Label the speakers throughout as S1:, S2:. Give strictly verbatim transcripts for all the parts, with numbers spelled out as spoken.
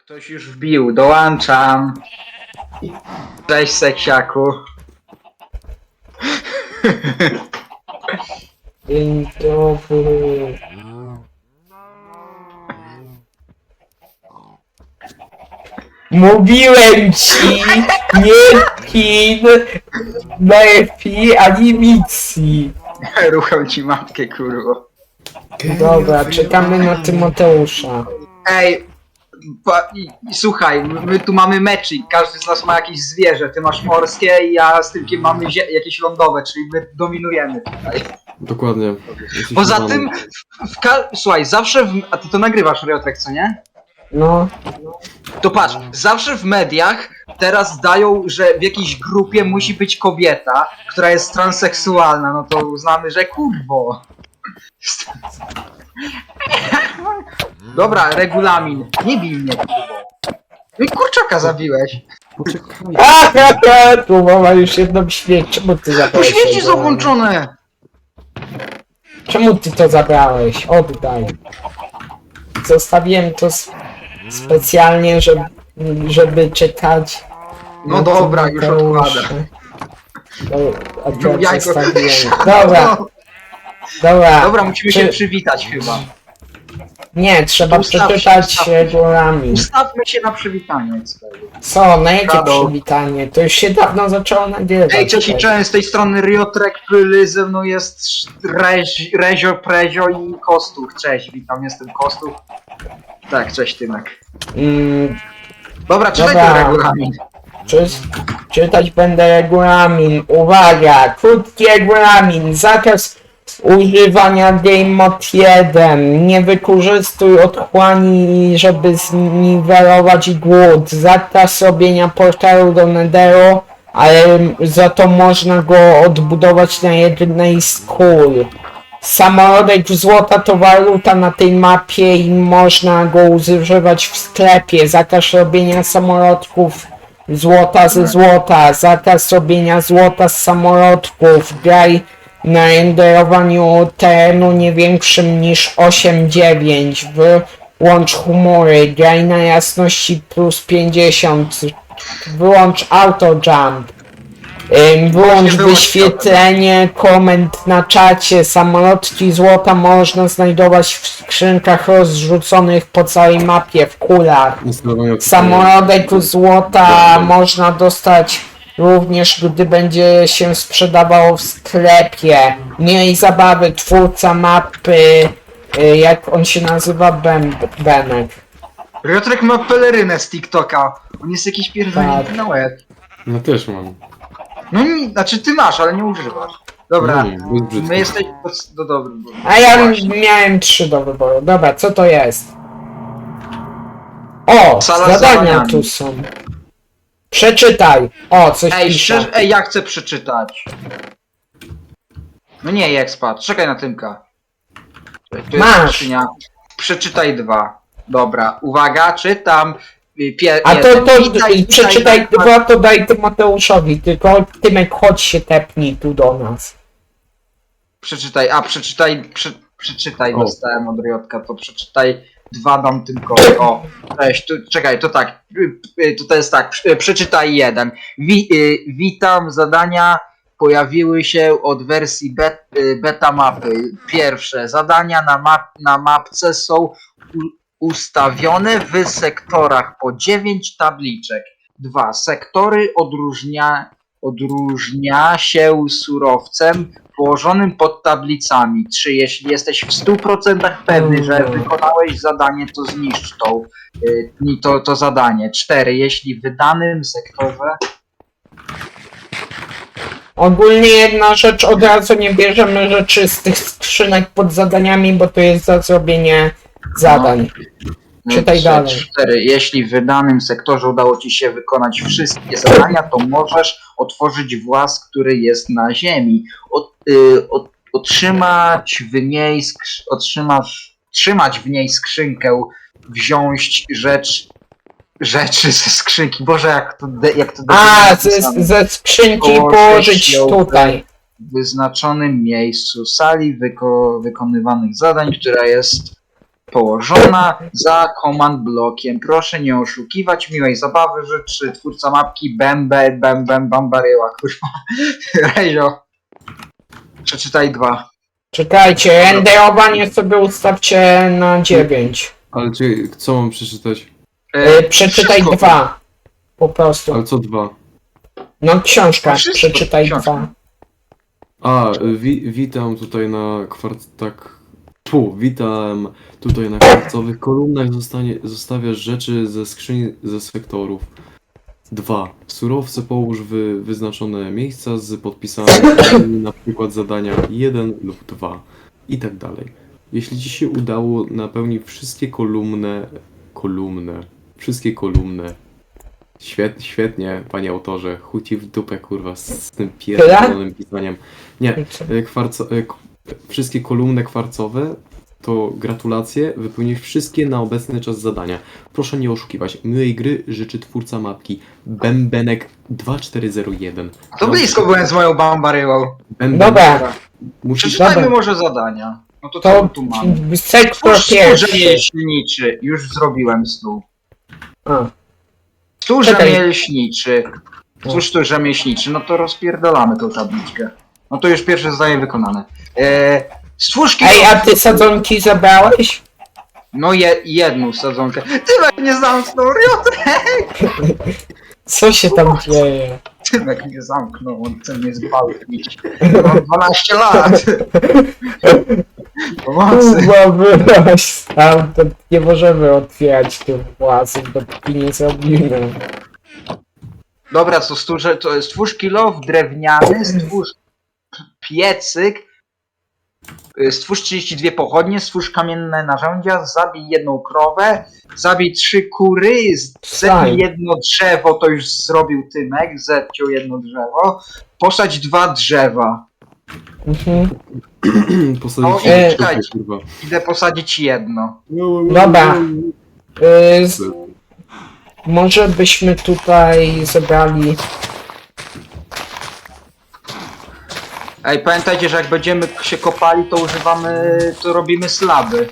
S1: Ktoś już wbił, dołączam. Cześć seksiaku.
S2: Dzień dobry. Mówiłem ci, nie pin lepiej ani misji.
S1: Rucham ci matkę, kurwo.
S2: Dobra, czekamy na Tymoteusza.
S1: Ej, pa, i, i, słuchaj, my, my tu mamy meczyk, każdy z nas ma jakieś zwierzę. Ty masz morskie i ja z Tylkiem mamy zie- jakieś lądowe, czyli my dominujemy tutaj.
S3: Dokładnie.
S1: Poza tym, w, w ka- słuchaj, zawsze w, a ty to nagrywasz, Riotrek, co nie?
S2: No,
S1: To patrz, zawsze w mediach teraz dają, że w jakiejś grupie musi być kobieta, która jest transseksualna, no to uznamy, że kurwo. Dobra, regulamin. Nie bij mnie, kurwo. No i kurczaka zabiłeś.
S3: Poczekaj.
S2: aha, tu mama już jedną śmierć. Czemu ty
S1: To
S2: zabrałeś?
S1: śmieci są
S2: tego?
S1: włączone.
S2: Czemu ty to zabrałeś? Oddaj. Zostawiłem to s- specjalnie, żeby, żeby czekać.
S1: No
S2: na
S1: dobra, już
S2: Tymoteusza.
S1: odkładam.
S2: To
S1: No,
S2: akurat
S1: jajko.
S2: zostawiłem. Dobra,
S1: No,
S2: dobra.
S1: dobra, musimy
S2: Czy-
S1: się przywitać chyba.
S2: Nie, trzeba
S1: Ustaw się,
S2: przeczytać
S1: ustaw się.
S2: regulamin.
S1: Ustawmy się na przywitanie.
S2: Co, na jakie
S1: Rado.
S2: przywitanie? To już się dawno zaczęło nagrywać.
S1: Ej, cześć i cześć, z tej strony Riotrek Pyly, ze mną jest Reź, Rezio, Prezio i Kostuch. Cześć, witam, jestem Kostuch. Tak, cześć Tymek.
S2: Mm,
S1: Dobra, czytaj
S2: Dobra.
S1: ten regulamin.
S2: czy, czytać będę regulamin. Uwaga, krótki regulamin. Zakaz używania Game Mode jeden. Nie wykorzystuj otchłani, żeby zniwelować głód. Zakaz robienia portalu do Netheru, ale za to można go odbudować na jednej z kul. Samorodek złota to waluta na tej mapie i można go używać w sklepie. Zakaz robienia samorodków złota ze złota. Zakaz robienia złota z samorodków. Graj na renderowaniu terenu nie większym niż osiem dziewięć. Wyłącz humory. Graj na jasności plus pięćdziesiąt. Wyłącz auto jump. Ym, Wyłącz
S1: wyłącz
S2: wyświetlenie komend na czacie. Samolotki złota można znajdować w skrzynkach rozrzuconych po całej mapie w kulach.
S3: Instalowanie
S2: Samolodek złota można dostać również, gdy będzie się sprzedawało w sklepie. Miej zabawy, twórca mapy, y, jak on się nazywa, ben, Benek.
S1: Riotrek ma pelerynę z TikToka. On jest jakiś pierdolnięty
S2: Tak.
S1: na łeb.
S3: No też mam.
S1: No nie, znaczy ty masz, ale nie używasz. Dobra,
S3: No, bez brzydko.
S1: my jesteśmy... No dobra.
S2: A ja
S1: Właśnie.
S2: miałem trzy do wyboru. Dobra, co to jest? O,
S1: Sala z
S2: zadania
S1: zadaniami.
S2: tu są. Przeczytaj. O, coś
S1: Ej,
S2: pisze.
S1: szczerze, ej, ja chcę przeczytać. No nie, Expat, czekaj na Tymka. Tu jest
S2: Masz.
S1: skrzynia. Przeczytaj dwa. Dobra, uwaga, czytam. Pie-
S2: A to,
S1: jeden.
S2: to
S1: Witaj,
S2: przeczytaj
S1: witaj,
S2: dwa, to daj Tymoteuszowi, tylko Tymek chodź się tepnij tu do nas.
S1: Przeczytaj, a przeczytaj, prze, przeczytaj,
S3: O.
S1: dostałem od Riotka, to przeczytaj dwa dam tylko. O, cześć, tu, czekaj, to tak, y, y, to, to jest tak, y, przeczytaj jeden. Wi, y, witam, zadania pojawiły się od wersji bet, y, beta mapy. Pierwsze, zadania na, map, na mapce są u, ustawione w sektorach po dziewięć tabliczek. Dwa, sektory odróżnia, odróżnia się surowcem położonym pod tablicami. Trzy. Jeśli jesteś w stu procentach pewny, że wykonałeś zadanie, to zniszcz tą, y, to, to zadanie. Cztery. Jeśli w danym sektorze...
S2: Ogólnie jedna rzecz, od razu nie bierzemy rzeczy z tych skrzynek pod zadaniami, bo to jest za zrobienie zadań.
S1: no,
S2: Czytaj
S1: trzy,
S2: dalej.
S1: Cztery. Jeśli w danym sektorze udało Ci się wykonać wszystkie zadania, to możesz otworzyć włas, który jest na ziemi. Od, y, od, otrzymać w niej skrzy- otrzymasz, trzymać w niej skrzynkę, wziąć rzecz rzeczy ze skrzynki. Boże, jak to de, jak to
S2: A,
S1: debilnie
S2: ze,
S1: napisane.
S2: ze skrzynki
S1: Położyć
S2: położyć
S1: ją
S2: tutaj.
S1: w wyznaczonym miejscu sali wyko- wykonywanych zadań, która jest położona za command blokiem. Proszę nie oszukiwać, miłej zabawy życzy twórca mapki Bembe, Bem Bem Bambaryła, kurwa. Rejzo. Przeczytaj dwa.
S2: Czekajcie, renderowanie sobie ustawcie na dziewięć.
S3: Ale czy, co mam przeczytać?
S2: Yy, przeczytaj
S1: wszystko.
S2: dwa. Po prostu.
S3: Ale co dwa?
S2: No książka,
S1: Wszystko,
S2: przeczytaj
S1: książka.
S2: dwa.
S3: A, wi witam tutaj na kwart... tak... Pu, witam tutaj na kwarcowych kolumnach zostanie, zostawiasz rzeczy ze skrzyni ze sektorów. Dwa. Surowce połóż w wyznaczone miejsca z podpisami, na przykład zadania jeden lub dwa i tak dalej. Jeśli ci się udało napełnić wszystkie kolumny, kolumny, wszystkie kolumny. Świet, świetnie, panie autorze, chuj ci w dupę, kurwa, z, z tym pierdolonym pisaniem. Nie, e, kwarco, e, k- wszystkie kolumny kwarcowe, to gratulacje, wypełniłeś wszystkie na obecny czas zadania. Proszę nie oszukiwać, miłej gry życzy twórca mapki Bębenek dwa cztery zero jeden.
S1: To blisko byłem z moją Bambaryłą.
S3: Bęben,
S2: Dobra,
S3: musisz...
S1: Przeczytajmy
S2: Dobra.
S1: może zadania. No to co
S2: to
S1: my tu mamy?
S2: sektor
S1: Stwórz stół
S2: pierwszy.
S1: rzemieślniczy. Już zrobiłem stół.
S2: A,
S1: Stół
S2: Czekaj.
S1: rzemieślniczy. Stwórz stół rzemieślniczy. No to rozpierdolamy tą tabliczkę. No to już pierwsze zadanie wykonane. Eee, stwórz kilo...
S2: Ej, a ty sadzonki zabrałeś?
S1: No je, jedną sadzonkę. Tymek mnie zamknął, Riotrek!
S2: Co się tam dzieje?
S1: Tymek mnie zamknął, on chce mnie zgwałcić. Mam dwanaście lat. Pomocy.
S2: Kurwa, wyłaź stamtąd. Nie możemy otwierać tych własów, dopóki nie zrobimy.
S1: Dobra, co stwórz, to stwórz kilof drewniany, stwórz piecyk, y, stwórz trzydzieści dwie pochodnie, stwórz kamienne narzędzia, zabij jedną krowę, zabij trzy kury, zetnij
S2: Fajnie.
S1: jedno drzewo, to już zrobił Tymek, zetciął jedno drzewo, posadź dwa drzewa.
S2: Mhm.
S3: Posadzić
S1: O,
S3: się
S2: e,
S3: w dupę,
S1: czekajcie.
S3: kurwa.
S1: Idę posadzić jedno.
S2: Dobra. Y, z, może byśmy tutaj zebrali...
S1: Ej, pamiętajcie, że jak będziemy się kopali, to używamy, to robimy slaby.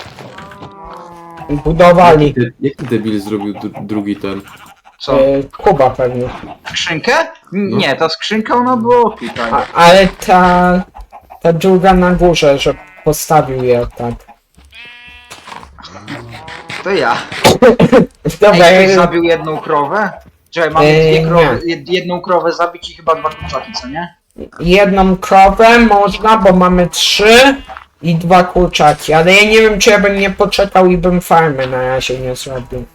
S2: budowali
S3: Jaki- Jaki debil zrobił dru- drugi ten?
S1: Co?
S2: y, Kuba pewnie.
S1: Skrzynkę? N- Nie, ta skrzynka ona była tutaj.
S2: A, ale ta... ta druga na górze, że postawił je tak.
S1: To ja.
S2: Dobra,
S1: Ej, ktoś
S2: y,
S1: zabił jedną krowę? Czekaj, mamy
S2: Eee,
S1: dwie krowy, jed, jedną krowę zabić i chyba dwa kurczaki, co nie?
S2: jedną krowę można, bo mamy trzy i dwa kurczaki, ale ja nie wiem, czy ja bym nie poczekał i bym farmy na razie nie zrobił.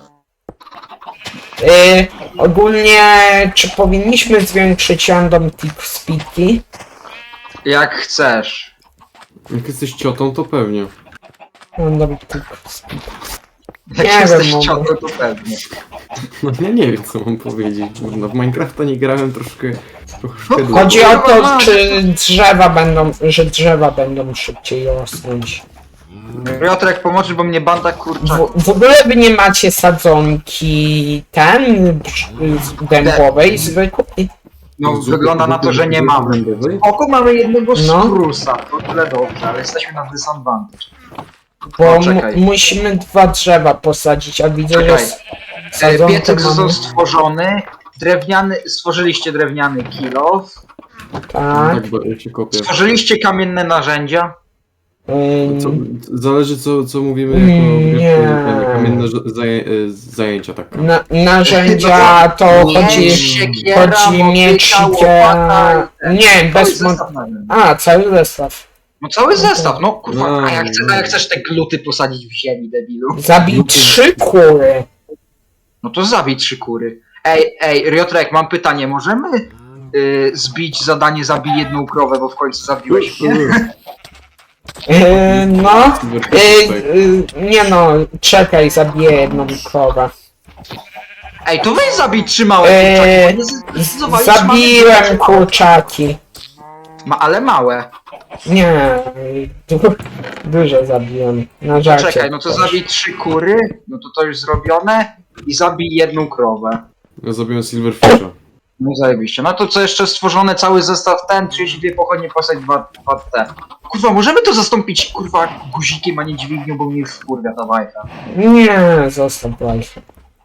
S2: Yy, ogólnie, czy powinniśmy zwiększyć random tick speedki?
S1: Jak chcesz.
S3: Jak jesteś ciotą, to pewnie.
S2: Random tick speed.
S1: Jak
S2: Nie
S1: jesteś
S2: wiem,
S1: ciotą, to pewnie.
S3: No ja nie wiem, co mam powiedzieć. No, w Minecrafta nie grałem troszkę... troszkę długo.
S2: Chodzi o to, czy drzewa będą, że drzewa będą szybciej rosnąć.
S1: Piotrek, pomocy, bo mnie banda kurczaków.
S2: W, w ogóle wy nie macie sadzonki ten brz- dębowej zwykłej?
S1: No, wygląda na to, że nie mamy. Oko mamy jednego
S2: No.
S1: sprusa, to tyle dobrze, ale jesteśmy na disadvantage.
S2: Bo
S1: O,
S2: mu,
S1: czekaj.
S2: musimy dwa drzewa posadzić, a widzę, że
S1: Czekaj.
S2: s-
S1: E,
S2: sadzonkę
S1: Piecyk został
S2: mamy.
S1: stworzony, drewniany, stworzyliście drewniany kilof,
S2: Tak.
S3: Tak, bo ja się kopię.
S1: stworzyliście kamienne narzędzia.
S3: Co,
S2: Ym,
S3: zależy co, co mówimy
S2: Mm,
S3: jako
S2: nie.
S3: wiesz, kamienne ża- zaję, e, zajęcia, tak.
S2: na, narzędzia to
S1: Nie,
S2: chodzi,
S1: siekiera,
S2: chodzi miecz,
S1: motyka,
S2: siekiera...
S1: łopata i-
S2: Nie,
S1: Cały
S2: bez... mo-
S1: zestaw narzędzi.
S2: A, cały zestaw.
S1: No cały zestaw, no kurwa,
S3: No.
S1: a jak, chcesz, a jak chcesz te gluty posadzić w ziemi, debilu?
S2: Zabij trzy kury.
S1: No to zabij trzy kury. Ej, ej, Riotrek, mam pytanie, możemy y, zbić zadanie zabij jedną krowę, bo w końcu zabiłeś mnie?
S2: Yy, no... Yy, yy, nie no, czekaj, zabiję jedną krowę.
S1: Ej, to weź zabij trzy małe
S2: Eee,
S1: kurczaki, bo nie z- zdecydowałeś,
S2: Zabiłem
S1: mamy-
S2: kurczaki.
S1: Ma, ale małe.
S2: Nie, du duże zabiłem. Na żarcie.
S1: Czekaj, no to
S2: też.
S1: zabij trzy kury, no to to już zrobione i zabij jedną krowę.
S3: Ja zabiłem Silverfisha.
S1: No zajebiście. No to co jeszcze stworzone, cały zestaw ten, trzydzieści dwie pochodnie, postać dwa T. Kurwa, możemy to zastąpić, kurwa, guzikiem, a nie dźwignią, bo mnie już wkurwia ta bajka.
S2: Nie, zostaw life.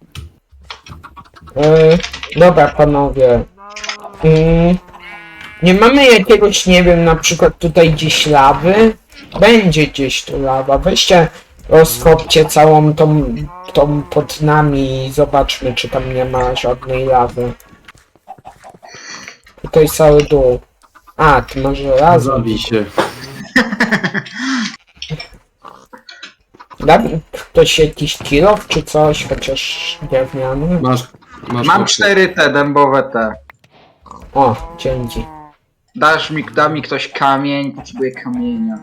S2: Yy, dobra, panowie. Yy, nie mamy jakiegoś, nie wiem, na przykład tutaj gdzieś lawy? Będzie gdzieś tu lawa. Weźcie, rozkopcie całą tą, tą pod nami i zobaczmy, czy tam nie ma żadnej lawy. Tutaj cały dół. A, ty masz żelazo.
S3: Zabij się.
S2: Da mi ktoś jakiś kilof czy coś, chociaż drewniany?
S3: Masz, masz
S1: Mam
S3: opcję.
S1: cztery te dębowe te.
S2: O, dzięki.
S1: Dasz mi, da mi ktoś kamień, potrzebuję kamienia.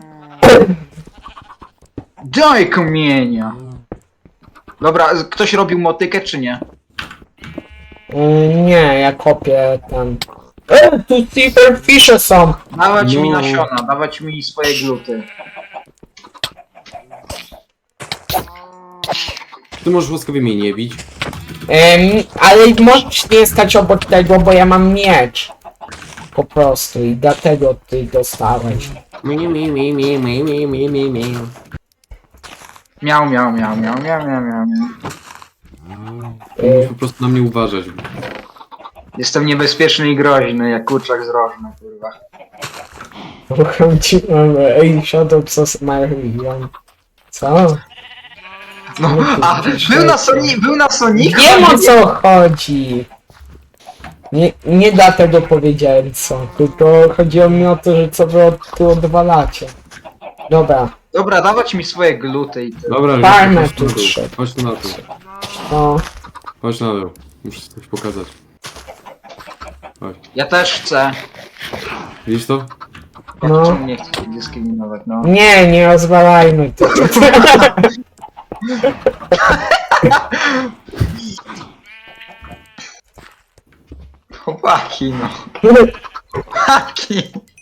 S1: Daj kamienia! Dobra, z- ktoś robił motykę czy nie?
S2: Yy, nie, ja kopię tam. E, tu silverfishe są!
S1: Dawać mi
S3: No.
S1: nasiona, dawać mi swoje gluty.
S3: Ty możesz łaskawie mnie nie bić.
S2: Em, ale możesz nie stać obok tego, bo ja mam miecz. Po prostu i dlatego ty dostałeś.
S3: Mi, mi, mi, mi, mi, mi, mi, mi, mi.
S1: Miał, miał, miał, miał, miał, miał, miał, miał.
S3: Musisz po prostu na mnie uważać.
S1: Jestem niebezpieczny i groźny, jak kurczak z rożny, kurwa.
S2: Uchodziłem, ej, Shadow Sos Marion. Co?
S1: No, a, był na Sonic, był na Sonic?
S2: Wiem o co chodzi! Nie, nie dlatego powiedziałem co, tylko chodziło mi o to, że co wy od, tu odwalacie. Dobra,
S1: Dobra, dawać mi swoje gluty i tyle.
S3: Dobra,
S2: Farmę
S3: chodź
S2: tu
S3: na dół.
S2: trzeba.
S3: Chodź tu na dół.
S2: no.
S3: Chodź na dół. Muszę coś pokazać. Chodź.
S1: Ja też chcę.
S3: Widzisz to?
S1: Ja
S2: No.
S1: czemu nie chcę dyskryminować, no.
S2: Nie, nie rozwalajmy to.
S1: Chłopaki, no. Chłopaki.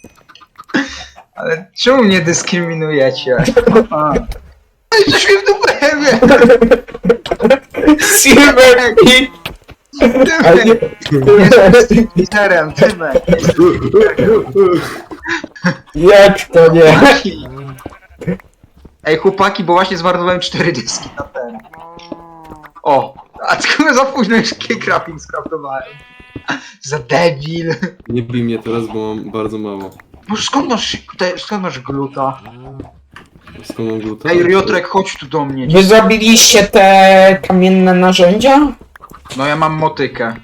S1: Ale czemu mnie dyskryminujecie? A. Ej, coś mi w dupę wie!
S2: Silverfish!
S1: Tymek! Jestem literem, Tymek!
S2: Jak to nie?
S1: Chłopaki. Ej, chłopaki, bo właśnie zmarnowałem cztery dyski na ten. O! A tylko za późno już crafting skraftowałem. Za debil.
S3: Nie bij mnie teraz, bo mam bardzo mało.
S1: Boże, skąd masz, te, skąd masz gluta?
S3: Skąd mam glutę?
S1: Ej, Riotrek, chodź tu do mnie.
S2: Wy zrobiliście te kamienne narzędzia?
S1: No ja mam motykę.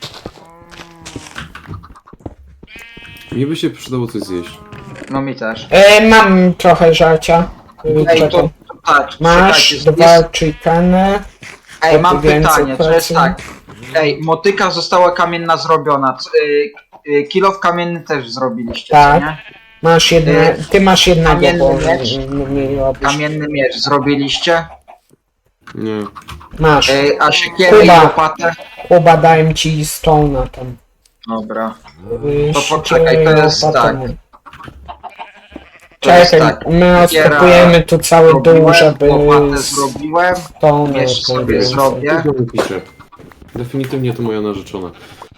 S3: Mi by się przydało coś zjeść.
S1: No mi też.
S2: E, mam trochę żarcia.
S1: Ej,
S2: Czekaj.
S1: to, to tak,
S2: Masz
S1: czekajcie,
S2: dwa
S1: jest,
S2: chickeny.
S1: ej, mam
S2: więcej
S1: pytanie, to jest
S2: pracy.
S1: tak. Ej, motyka została kamienna zrobiona. C- y, y, Kilof kamienny też zrobiliście,
S2: Tak.
S1: co nie?
S2: Masz jedne, ty masz jednego,
S1: Kamienny
S2: bo
S1: miecz?
S2: nie, nie, nie robisz.
S1: Kamienny miecz zrobiliście?
S3: Nie.
S2: Masz.
S1: Y, a siekierę i
S2: Kuba.
S1: łopatę?
S2: Kuba, dałem ci stone'a tam.
S1: Dobra.
S2: Yy,
S1: To
S2: siekierę
S1: poczekaj, to
S2: i
S1: jest
S2: łopatę
S1: tak.
S2: nie.
S1: To jest
S2: Czekaj,
S1: tak.
S2: my
S1: Siekiera
S2: rozkopujemy tu cały dół,
S1: Zrobiłem,
S2: żeby
S1: łopatę zrobiłem.
S2: stone
S1: miecz sobie
S2: więcej.
S1: zrobię.
S3: Tego mi pisze. Definitywnie to moja narzeczona.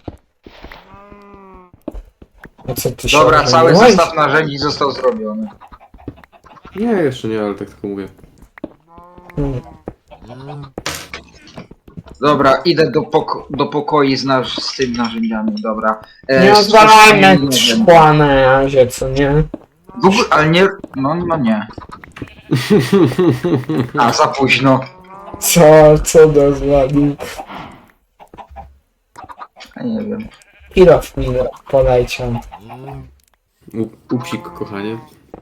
S2: A co ty się
S1: Dobra, cały
S2: ożeniłeś?
S1: zestaw narzędzi został zrobiony.
S3: Nie, jeszcze nie, ale tak tylko mówię.
S2: Hmm.
S1: Dobra, idę do, poko do pokoi z, nasz z tymi narzędziami, dobra. E,
S2: Nie
S1: z-
S2: rozwalajmy
S1: nie wiem.
S2: szkła na razie, co nie?
S1: W ogóle, ale nie, no, no nie. A, za późno.
S2: Co, co dozwolił?
S1: Ja nie wiem.
S2: Kilof mi poleciał.
S3: U- Upsik, kochanie.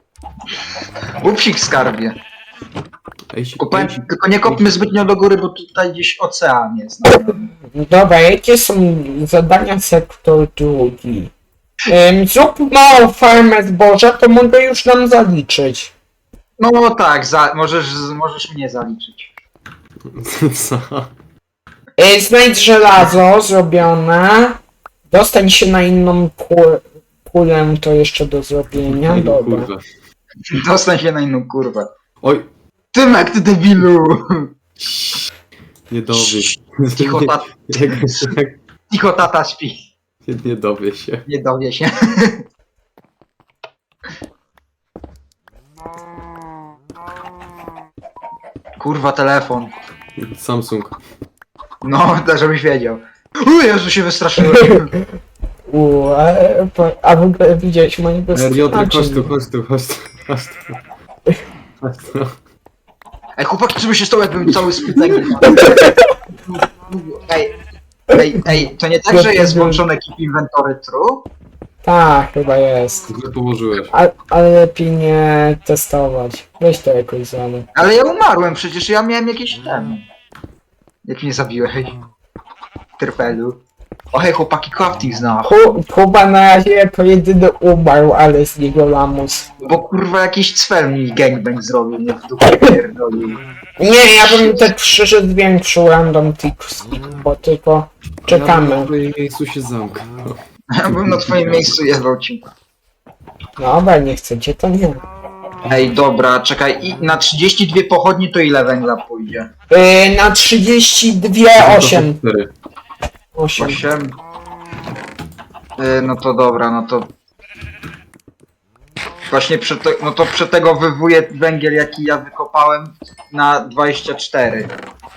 S1: Upsik skarbie.
S3: Ej, si-
S1: Kopę,
S3: ej, si-
S1: tylko nie kopmy zbytnio do góry, bo tutaj gdzieś ocean jest. No.
S2: Dobra, jakie są zadania sektor drugi? Ym, zrób małą farmę zboża, to mogę już nam zaliczyć.
S1: No tak, za, możesz, możesz mnie zaliczyć.
S3: Co?
S2: Yy, znajdź żelazo zrobione. Dostań się na inną ku- kulę, to jeszcze do zrobienia.
S3: Ej, no
S2: Dobra.
S3: kurwa.
S1: Dostań się na inną kurwę.
S3: Oj,
S1: Tymek, ty debilu!
S3: niedobrze.
S1: Cicho, tat,
S3: Jak, jak,
S1: cicho tata śpi.
S3: Nie, nie dowie się.
S1: Nie dowie się. Kurwa, telefon.
S3: Samsung.
S1: No, to żebyś wiedział. O Jezu, się wystraszyłem.
S2: U, a, a w ogóle widziałeś moje
S3: Piotrek, chodź
S2: bezpieczeństwo.
S3: tu, chodź tu, chodź tu. Chodź tu. Chodź tu.
S1: Ej, chłopaki, co by się stało, jakbym cały spytek... Ej, ej, ej, to nie tak, że jest włączony Keep Inventory True?
S2: Tak, chyba jest.
S3: Źle położyłeś.
S2: A, ale lepiej nie testować. Weź to jakoś zamy.
S1: Ale ja umarłem, przecież ja miałem jakieś ten... Jak mnie zabiłeś? Trpelu. O hej, chłopaki, crafting znalazł.
S2: Ku- Kuba na razie jako jedyny umarł, ale z niego lamus.
S1: Bo kurwa jakiś cwel mi gangbang zrobił, mnie w dupę pierdolił.
S2: Nie, ja bym te przyszedł większą random tips, bo tylko
S3: Ja bym
S2: czekamy.
S3: na twoim miejscu się zamknął.
S1: Ja bym na twoim miejscu jebał ci.
S2: Dobra, nie chcecie, to nie.
S1: Ej, dobra, czekaj, i na trzydzieści dwie pochodnie to ile węgla pójdzie?
S2: Yy, na trzydzieści dwa osiem.
S3: Cztery.
S2: osiem.
S1: osiem? Yy, no to dobra, no to... Właśnie przy te, no to przy tego wywuję węgiel, jaki ja wykopałem na dwadzieścia cztery.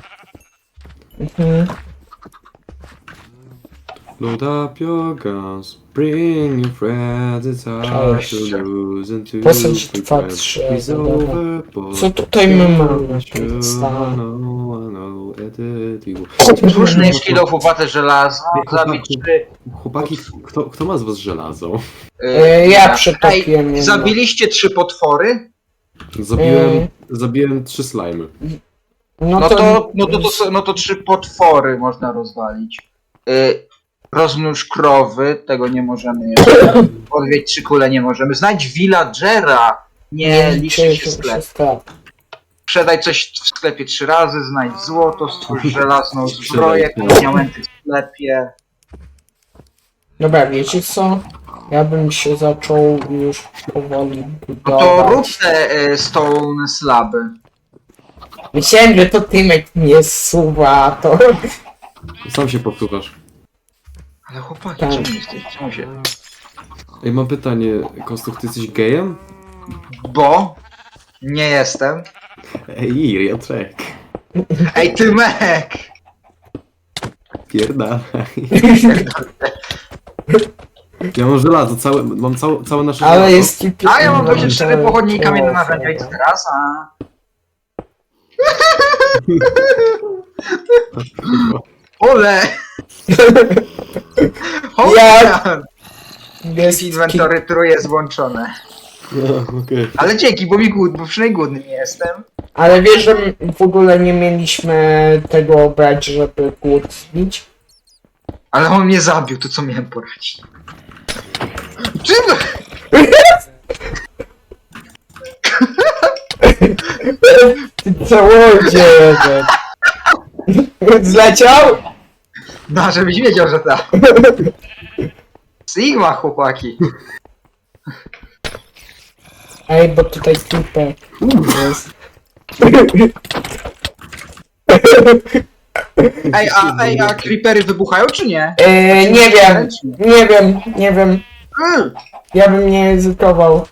S2: Mhm.
S3: Load up your guns, bring your friends, it's hard
S2: Cześć.
S3: to lose and to
S2: Posadź dwa,
S3: regret.
S2: trzy,
S3: It's
S2: dobra.
S3: over, but
S2: Co tutaj my mamy?
S3: I know, I know, it is you.
S1: Słuszny jest kilo chłopaty żelazo, zabić trzy...
S3: Chłopaki, kto, kto ma z was żelazo?
S2: Yy, ja przetopiłem
S1: Ej,
S2: jedno.
S1: zabiliście trzy potwory?
S3: Zabiłem,
S2: Ej.
S3: zabiłem trzy slimy.
S2: No
S1: No
S2: to,
S1: to, no to, to, no to trzy potwory można rozwalić. Y, rozmnóż krowy, tego nie możemy jeszcze. Odwiedź trzy kule nie możemy. Znajdź villagera. Nie liczy się sklep.
S2: sklep.
S1: Sprzedaj coś w sklepie trzy razy, znajdź złoto, stwórz żelazną zbroję, kup diamenty w sklepie.
S2: Dobra, wiecie co? Ja bym się zaczął już powoli
S1: No to
S2: budować.
S1: rób te y, stone slaby.
S2: Myślałem, że to Tymek mnie suwa, to...
S3: Sam się powtórzasz.
S1: Ale chłopaki,
S2: Tak.
S1: czemu jesteś? Czemu się?
S3: Ej, mam pytanie, Kostuk, ty jesteś gejem?
S1: Bo nie jestem.
S3: Ej, Riotrek.
S1: Ej, Tymek!
S3: Pierdalaj. Ja mam żelazo, całe, mam całe, całe nasze
S2: Ale
S3: żelazo.
S2: jest typie...
S1: A ja mam dwadzieścia cztery pochodnie i kamienne narzędzia i teraz, a... Ole!
S2: Ja-
S1: Hołka!
S2: Jest
S1: Inwentory True jest włączone.
S3: No, okej.
S1: Ale dzięki, bo mi głód, bo przynajmniej głodny nie jestem.
S2: Ale wiesz, że w ogóle nie mieliśmy tego brać, żeby głód zbić?
S1: Ale on mnie zabił, to co miałem poradzić? Czym?
S2: Ty całodzie jeden. Zleciał?
S1: No, żebyś wiedział, że tak. Sigma, chłopaki.
S2: Ej, bo tutaj typek jest.
S1: Ej, a, ej, a creepery wybuchają, czy nie?
S2: Eee, nie wiem, nie wiem, nie wiem.
S1: Mm.
S2: Ja bym nie ryzykował.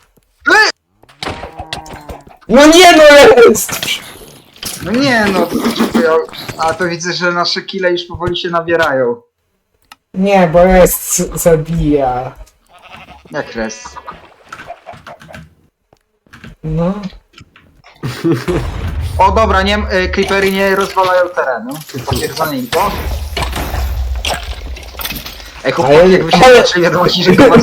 S2: No nie no jest!
S1: No nie, no to czekują. A to widzę, że nasze kile już powoli się nabierają.
S2: Nie, bo jest z- zabija.
S1: Jak res.
S2: No.
S1: O dobra, nie, y, creepery nie rozwalają terenu. Potwierdzone info. Ej, chłopaki,
S2: Ale-
S1: jakby się
S2: ale-
S1: zaczęli wiadomości, że to was...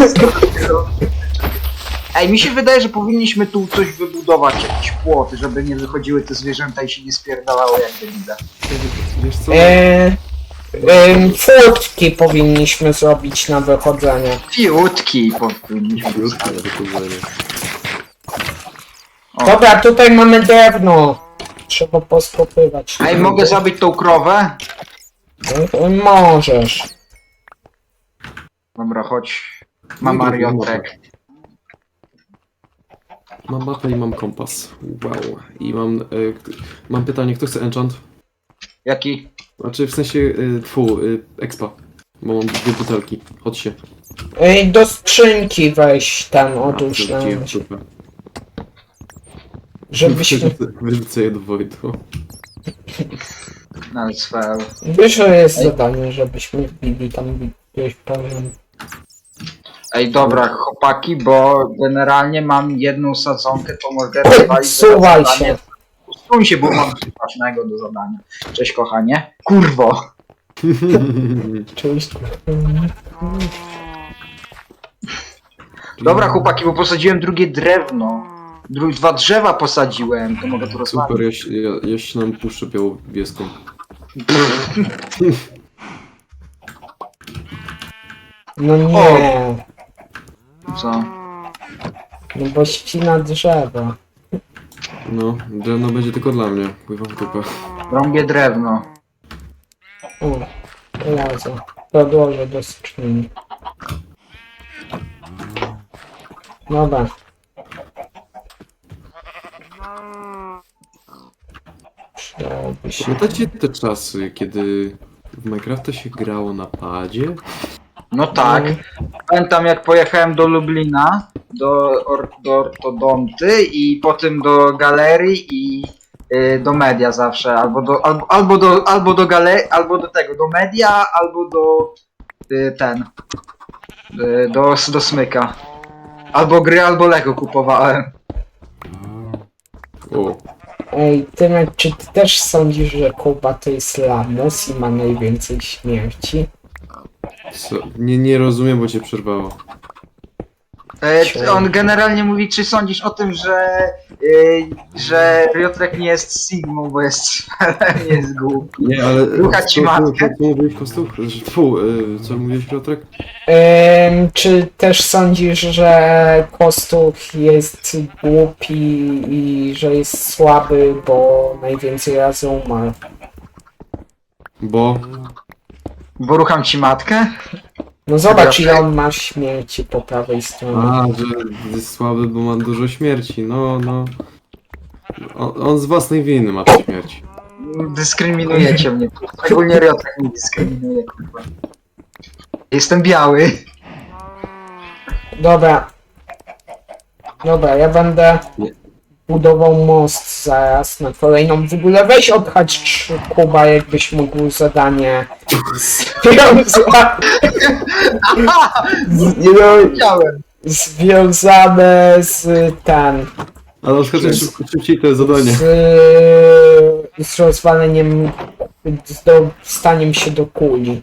S1: Ej, mi się wydaje, że powinniśmy tu coś wybudować, jakiś płot, żeby nie wychodziły te zwierzęta i się nie spierdalało jak debile.
S3: Wiesz co?
S2: Eee, em, furtki powinniśmy zrobić na wychodzenie.
S1: Fiutki powinniśmy
S3: Krótkie
S1: postawić.
S3: wychodzenie.
S1: O.
S2: Dobra, tutaj mamy drewno. Trzeba poskopywać.
S1: Ej, mogę zabić tą krowę?
S2: E, Możesz.
S1: Dobra, chodź. Mam Mariotrek.
S3: Mam mapę i mam kompas. Wow. I mam, e, k- mam pytanie, kto chce enchant?
S1: Jaki?
S3: Znaczy w sensie, e, tfu, e, expa. Bo mam dwie butelki. Chodź się.
S2: Ej, do skrzynki weź tam odłóż na
S3: Wyrzuciłem w dupę.
S2: żebyśmy...
S3: Wyrzucę je do Wojtu.
S1: No cfel.
S2: Wiesz, że jest zadanie, żebyśmy wbili tam gdzieś powiem.
S1: Ej, dobra, chłopaki, bo generalnie mam jedną sadzonkę, to mogę rozwalić.
S2: Suwaj
S1: zadanie.
S2: się.
S1: Usuń się, bo mam coś ważnego do zadania. Cześć, kochanie. Kurwo.
S2: Cześć.
S1: Dobra, chłopaki, bo posadziłem drugie drewno. Dru dwa drzewa posadziłem, to mogę tu rozmawiać.
S3: Super, ja, się- ja, ja się nam puszczę białowieską.
S2: No nie.
S1: Co?
S2: No bo ścina drzewa.
S3: No, drewno będzie tylko dla mnie. Pływam w dupę.
S1: Rąbię drewno.
S2: O, razem. Podłożę do skrzyni. Dobra. Przydałoby się.
S3: Pamiętacie te czasy, kiedy w Minecrafta się grało na padzie?
S1: No tak. Pamiętam jak pojechałem do Lublina, do, or do ortodonty i potem do galerii i y, do media zawsze, albo do, albo, albo do, albo do galerii, albo do tego, do media, albo do y, ten, y, do, do smyka. Albo gry, albo Lego kupowałem.
S3: O,
S2: Ej, Tymek, czy ty też sądzisz, że Kuba to jest lamus i ma najwięcej śmierci?
S3: co? Nie, nie rozumiem, bo cię przerwało.
S1: E, on generalnie mówi, czy sądzisz o tym, że, y, że Riotrek nie jest Sigmą, bo jest nie jest głupi.
S3: Nie, ale...
S1: Rucha ci
S3: co- co-
S1: matkę.
S3: Co mówiłeś, Kostuch? Fu, y, co mówiłeś, Piotrek?
S2: Ym, czy też sądzisz, że Kostuch jest głupi i że jest słaby, bo najwięcej razy umarł?
S3: Bo...
S1: Bo rucham ci matkę?
S2: No zobacz, ile on ma śmierci po prawej stronie.
S3: A, że jest słaby, bo ma dużo śmierci. No, no... On, on z własnej winy ma te śmierci.
S1: Dyskryminujecie mnie. Szczególnie Riotrek mnie dyskryminuje, kurwa. Jestem biały.
S2: Dobra. Dobra, ja będę
S3: Nie.
S2: budował most zaraz na kolejną. W ogóle weź odchać Kuba, jakbyś mógł zadanie związane,
S1: Białem.
S2: związane z ten,
S3: Ale odskoczę szybko, szybciej te zadanie.
S2: z, z rozwaleniem, z dostaniem się do kuli.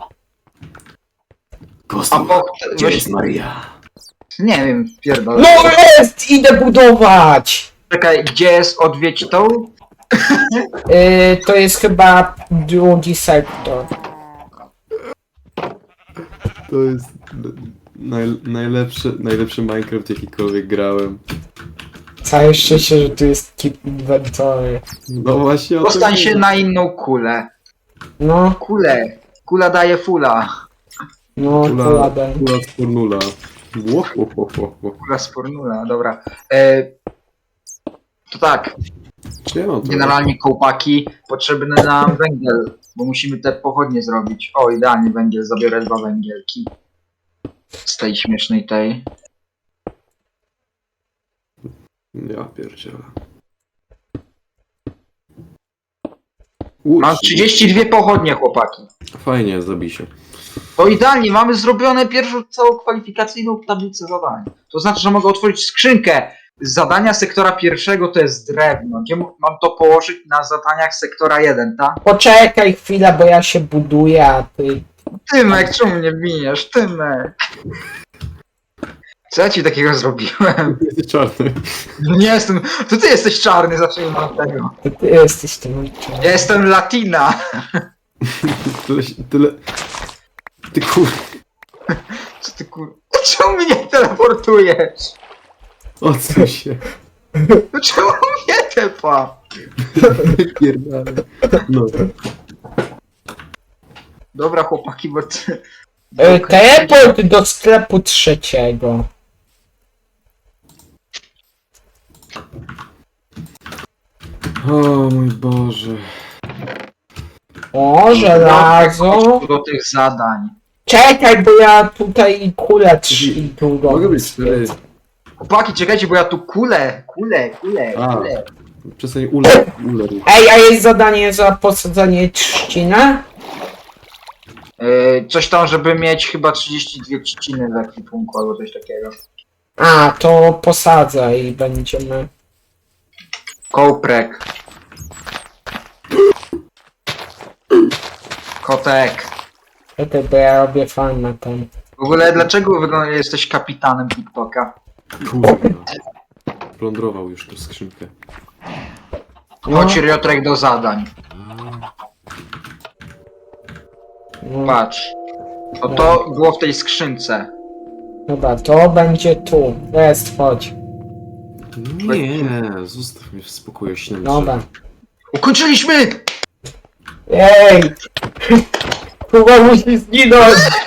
S1: A
S3: Kostuch,
S1: po...
S3: gdzie
S1: Weź...
S3: jest Maria?
S1: Nie wiem, pierdolę.
S2: No jest! Idę budować!
S1: Czekaj, gdzie jest odwiedź tą?
S2: Yy, to jest chyba drugi sektor.
S3: To jest naj, najlepszy, najlepszy Minecraft jakikolwiek grałem.
S2: Całe szczęście, że tu jest keep inventory.
S3: No właśnie o tym
S1: Dostań się
S3: mówię.
S1: na inną kulę.
S2: No,
S1: Kulę. Kula daje fula.
S2: no,
S3: Kula,
S2: to ładem.
S3: kula z Fornula. Ło, ło, ło, ło, ło.
S1: Kula z formula, dobra. E... To tak,
S3: Czy ja mam to?
S1: generalnie kołpaki, potrzebny nam węgiel, bo musimy te pochodnie zrobić. O, idealnie węgiel, zabiorę dwa węgielki. Z tej śmiesznej tej.
S3: Ja pierdzielę. U,
S1: Mam trzydzieści dwie pochodnie, chłopaki.
S3: Fajnie, zabij się.
S1: To idealnie, mamy zrobione pierwszą całą kwalifikacyjną tablicę zadań. To znaczy, że mogę otworzyć skrzynkę. Zadania sektora pierwszego to jest drewno. Gdzie m- mam to położyć na zadaniach sektora jeden, tak?
S2: Poczekaj chwilę, bo ja się buduję, a ty...
S1: Tymek, czemu mnie biniesz? Tymek. Co ja ci takiego zrobiłem?
S3: Jesteś czarny.
S1: Nie jestem. To ty jesteś czarny, zacznijmy od tego.
S2: to ty jesteś tym
S1: Ja jestem Latina.
S3: Tyle, tyle... Ty kur...
S1: Co ty kur... Czemu mnie teleportujesz?
S3: Odsuń się.
S1: No czemu mnie tepa?
S3: Pierdolę. No.
S1: Dobra chłopaki, bo ty...
S2: E, teleport do sklepu trzeciego.
S3: O mój Boże.
S2: O, żelazo.
S1: Do tych zadań.
S2: Czekaj, bo ja tutaj kulę trzy długo.
S3: Mogę być cztery.
S1: Chłopaki, czekajcie, bo ja tu kulę, kulę, kulę,
S3: A.
S1: kulę.
S3: Przestań ule, ule.
S2: Ej, a jest zadanie za posadzenie trzciny?
S1: Yy, coś tam, żeby mieć chyba trzydzieści dwie trzciny w ekwipunku albo coś takiego.
S2: A, to posadzę i będziemy...
S1: Kołprek. Kotek.
S2: Czekaj, bo ja robię farmę tam.
S1: W ogóle dlaczego wygląda, jesteś kapitanem TikToka?
S3: Kurwa. Plądrował już tę skrzynkę.
S2: No.
S1: Chodź Riotrek do zadań.
S2: No,
S1: Patrz. No to było w tej skrzynce.
S2: dobra, to będzie tu. Jest, chodź.
S3: Nie, zostaw mnie w spokoju, śniam.
S2: Dobra.
S1: Ukończyliśmy!
S2: Ej! Chyba musi zginąć!